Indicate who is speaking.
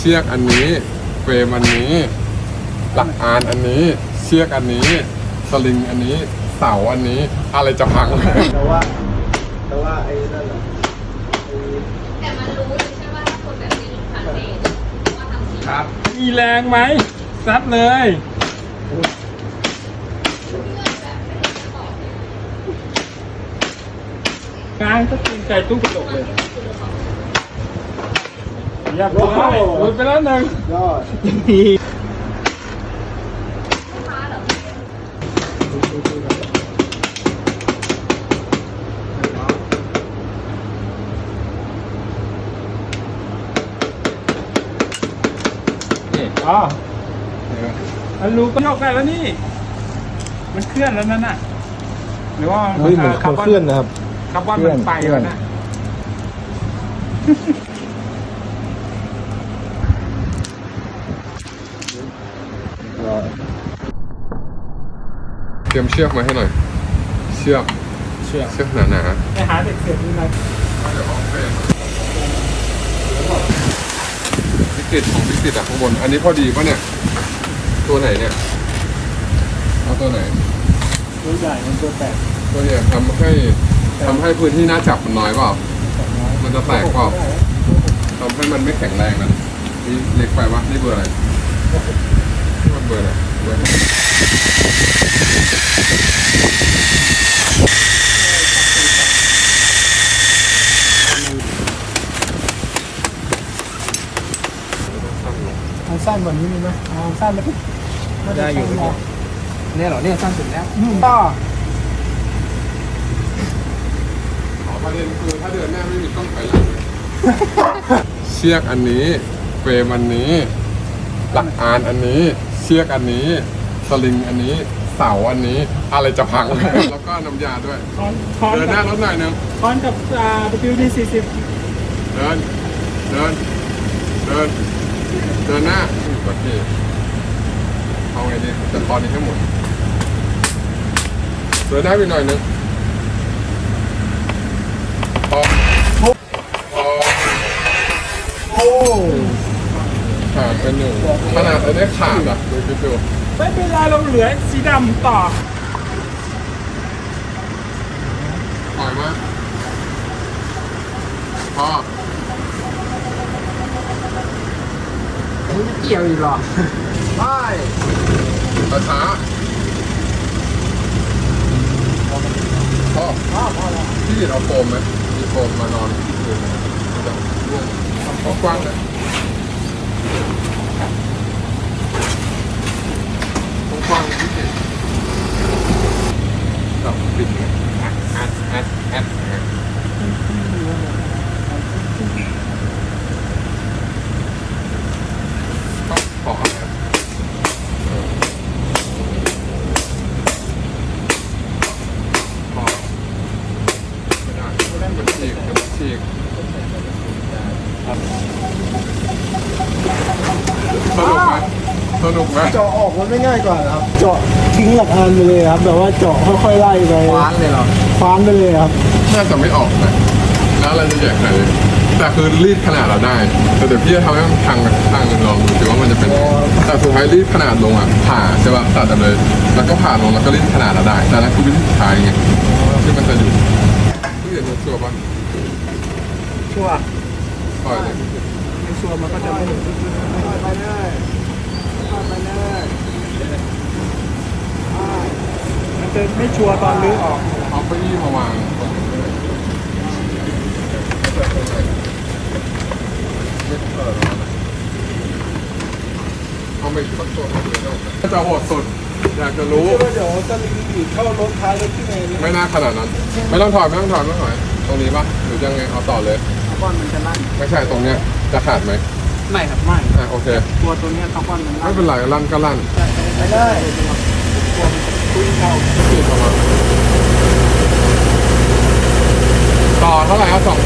Speaker 1: ชือกอันนี้เฟรมอันนี้หลักอานอันนี้เชือกอันนี้สลิงอันนี้เสาอันนี้อะไรจะพัง
Speaker 2: แต่ว่าไอ้นั่นแหละ
Speaker 3: แต่มันรู้เลยใช่ไหมถ้าคนแบบนี้ผ่านเดทมาทำสิ่ง
Speaker 2: ครับ
Speaker 4: มีแรงไหมซัดเลยกลางก็ตีนใจตู้กระจกเลยเรียบร้อยหลุดไปแล้วหนึ่ง
Speaker 2: ยอด
Speaker 3: ลูกค้าเหรอ
Speaker 4: นี่อ๋อมันรู้ก็ยกได้แล้วนี่ มันเคลื่อนแล้วนั่นน่ะหรือว่า
Speaker 2: เฮ้ยเหมือนเขาเคลื่อนนะครับ
Speaker 4: คาร์บอนมันไปแล้วนะ
Speaker 1: เตรียมเชือกมาให้หน่อยเชือกหนา
Speaker 4: ไปหาเด็กเสียดูนะ
Speaker 1: ๆเดี๋ยวเอาเฟรมวิกฤตของวิกฤตอะข้างบนอันนี้พอดีป่ะเนี่ยตัวไหนเนี่ยเอาตัวไหน
Speaker 4: ตัวใหญ่มันตัวแตก
Speaker 1: ตัวเนี่ยทำให้พื้นที่หน้าจับมันน้อยเปล่ามันจะแตกเปล่าทำให้มันไม่แข็งแรงนะนี่เล็กไปวะนี่เบอร์อะไรนี่มันเบอร์อะไรเบอร์อะไร
Speaker 2: เอาสั้นกว่านี้มีไหมเอาสั้นแล้วปุ๊บได้อยู่เนี่ยเหรอเนี่ยสั้นสุดแล้วต่อ
Speaker 1: ประเด็นคือถ้าเดินหน้าไม่มีต้องไปหลังเลยเชือกอันนี้เฟรมอันนี้หลักอานอันนี้เชือกอันนี้สลิงอันนี้เสาอันนี้อะไรจะพัง แล้วก็น้ำยาด้วย
Speaker 4: คอน
Speaker 1: เดินหน้ารถหน่อยนึง
Speaker 4: คอนกับWD 40
Speaker 1: เดินเดินหน้าก่อนที่เอาไงดีจะตอนนี้ทั้งหมดเดินหน้าไปหน่อยนึงพอขาดไปหนึ่งขนาดอันนี้ขาดอ่ะดูคิดดู
Speaker 4: ไม่เป็นไรเราเหลือสีดำต่อ
Speaker 1: ปล่อยมาพอ
Speaker 2: ไม่เกี่ยวอีกหรอไป
Speaker 1: ช้าพ่อพี่เอาโฟมไหมมีโฟมมานอนคืนจะร่วงเอากว้างเลยกว้างที่เห็นจับปิดเลยแอดก็ขอฉีกสนุกไหม
Speaker 2: เจาะออกมันไม่ง่ายกว่าครับ เจาะทิ้งหลักอันไปเลยครับแบบว่าเจาะค่อยๆไล่ไปคว้านเลยเหรอคว้านไปเลยครับ
Speaker 1: น่าจะไม่ออกนะแล้วอะไรจะใหญ่ขนาดนี้แต่คือรีดขนาดเราได้แต่เดี๋ยวพี่จะทำให้มันพังข้างนึงลองดูสิว่ามันจะเป็นแต่สุดท้ายรีดขนาดลงอ่ะผ่าใช่ป่ะตัดเลยแล้วก็ผ่าลงแล้วก็รีดขนาดเราได้แต่นั่นคือวิธีสุดท้ายไงที่มันจะอยู่พี่เห็นชัวร์ป่ะ
Speaker 4: ชัวร์
Speaker 1: ปล่อยเลย
Speaker 4: ไม่ชัวร์มันก็จะไม่ถึง
Speaker 2: ไปเลยไปเลย
Speaker 4: มันจะไม่ชัวร์ตอนลื้อออก
Speaker 1: เอาเก้าอี้มาวางตรงนี้เลยเอาไปตั้งตัวเขาเลยถ้าจะโหดสุดอยากจะรู้
Speaker 2: เดี๋ยวจะรีวิวเข้ารถท้ายรถที่ไหนนี่
Speaker 1: ไม่น่าขนาดนั้น ไม่ต้องถอดตรงนี้ปะหรือยังไงเอาต่อเลย
Speaker 2: คาร์บอนมันจะลั่น
Speaker 1: ไม่ใช่ตรงเนี้ยจะขาดไหม
Speaker 2: ไม่ครับไม่
Speaker 1: โอเค
Speaker 2: ตัวนี้คาร์บอนมัน
Speaker 1: ไม่เป็นไรลั่นก็ลั่น
Speaker 2: ไปได้คุยเข้า
Speaker 1: ปิดออกมาต่อเท่าไหร่ครับ2,000